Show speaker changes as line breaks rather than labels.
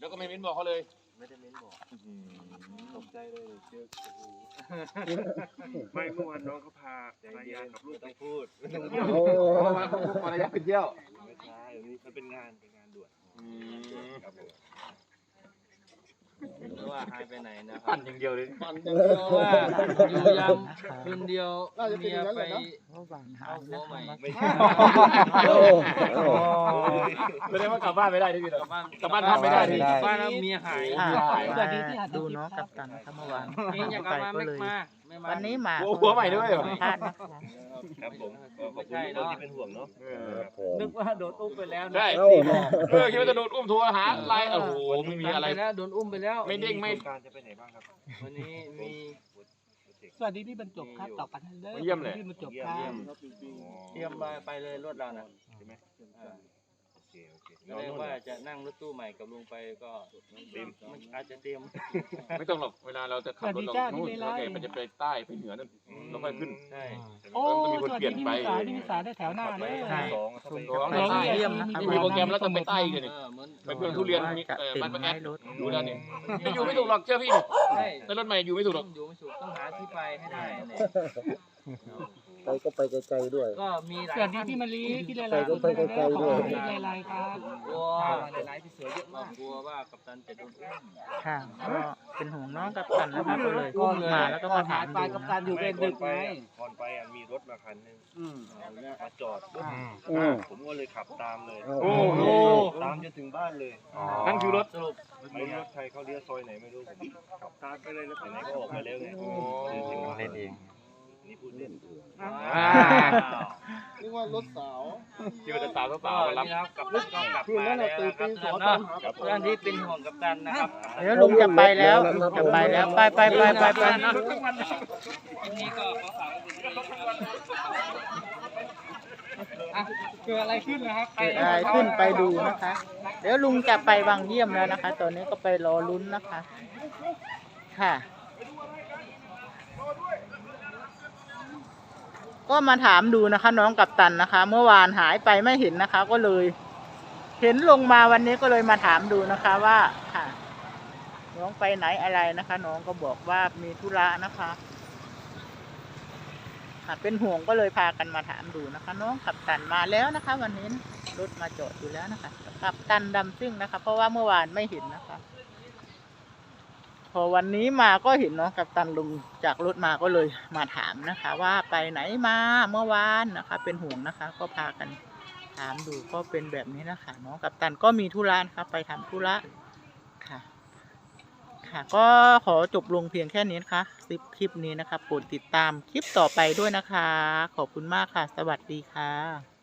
แล้วก็ไม่เม้นบอกเขาเลย
ไม่ได้เม้นบอกตกใจเลยเจอไม่เมื่อวานน้องเขาพาภรรยากับลูกไปพูด
ภรรยาไปเที่ยว
ไม่ใช่มันเป็นงานด่วนครับผมว่าหายไปไหนนะ
ปั่นอย่างเดียวเลย
ปั่นอย่างเดียว
ว่าอยู่ยามคืนเดียวเมียไปเอาหัวใหม่
ไม่ใช่แสดงว่ากลับบ้านไม่ได้ที่นี่หรอกลับบ้านทำไม่ได้ที่
บ้านแล้วเมียหาย
ดูน้องกัปตันครับเมื่อวาน
นี่อยากกลับมาไม่มา
วันนี้มา
หัวใหม่ด้วยเหรอ
ครับผมขอบคุณทุกคนที่เป็นห่วงเนาะ
นึกว่าโดนอุ้มไปแล้ว
ใช่คิดว่าจะโดนอุ้มโทรหาอะไรโอ้โหไม่มีอะไร
แล้วโดนอุ้มไปแล้ว
ไม่เด้งไม่
การจะไปไหนบ้างครับ
วันนี้มี
สวัสดีพี่บรรจบครับต่อกันเด้อ
เยี่ยมเลย
พี่บรรจบครับ
เตรียมไปเลยรถเรานะ
ใช่ไหม
เรียกว่าจะนั่งรถตู้ใหม่กับลุงไปก็อาจจะเตรียม
ไม่ต้องหรอกเวลาเราจะขับรถเราโน่นเรามันจะไปใต้ไปเหนือนั่นเราค่อยขึ้น
ใช่
โอ้สวัสดีพี่นิสาได้แถวหน้าเลย
เยี่ยมนะ
มีโปรแกรมแล้วต้องไปใต้กันนี่ไปเพื่อนทุเรียนบ้านประแอดดูแล้วนี่ไม่อยู่ไม่ถูกหรอกเชื่อพี่ในรถใหม่อยู่ไม่ถูกหรอก
อยู่ไม่ถูกต้องหาที่ไปให้ได้
ไปก็ไปไกลๆด้วย
ก็มีหลาย
สวัสดีพี่มะลิพี่เลไลก็ไปไกลๆด้วยพี่เลไลครับ
กลัวหลายๆพี่เสือเยอะมากกลัวว่ากัปตันจะโดนอุ้ม
ค่ะก็เป็นห่วงน้องกัปตันนะครับก็เลยอุ้มมาแล้วก็มาถาม
ไปกัปตันอยู่เป็นดึกไง
ก่อนไปมีรถมาคันนึงมาจอดผมก็เลยขับตามเลย
โอ้โห
ตามจนถึงบ้านเลย
นั่นคือรถ
สรุปไม่รู้รถใครเขาเลี้ยวซอยไหนไม่รู้ผมขับตามไปเลยแล้วไหนก็ออกมาแล้วไงถึงเล่นเองนี่พูดเล่น
นึกว่ารถสาว
ที่มันจะสาวเปล่า
รับกับรถก็กลับมาแล้วครับเพื่อนที่เป็นห่วงกัปตันนะครับ
เดี๋ยวลุงจะไปแล้วจะไปแล้วไป
นี่ก็ขอฝาก
เกิดอะไรขึ้นนะครับ
ขึ้นไปดูนะคะเดี๋ยวลุงจะไปวังเยี่ยมแล้วนะคะตอนนี้ก็ไปรอลุ้นนะคะค่ะก็มาถามดูนะคะน้องกัปตันนะคะเมื่อวานหายไปไม่เห็นนะคะก็เลยเห็นลงมาวันนี้ก็เลยมาถามดูนะคะว่าค่ะน้องไปไหนอะไรนะคะน้องก็บอกว่ามีธุระนะคะค่ะเป็นห่วงก็เลยพากันมาถามดูนะคะน้องกัปตันมาแล้วนะคะวันนี้รถมาจอดอยู่แล้วนะคะกัปตันดำซิ่งนะคะเพราะว่าเมื่อวานไม่เห็นนะคะพอวันนี้มาก็เห็นน้องกัปตันลงจากรถมาก็เลยมาถามนะคะว่าไปไหนมาเมื่อวานนะคะเป็นห่วงนะคะก็พากันถามดูก็เป็นแบบนี้นะคะน้องกัปตันก็มีธุระครับไปทำธุระค่ะค่ะก็ขอจบลงเพียงแค่นี้นะคะคลิปนี้นะคะโปรดติดตามคลิปต่อไปด้วยนะคะขอบคุณมากค่ะสวัสดีค่ะ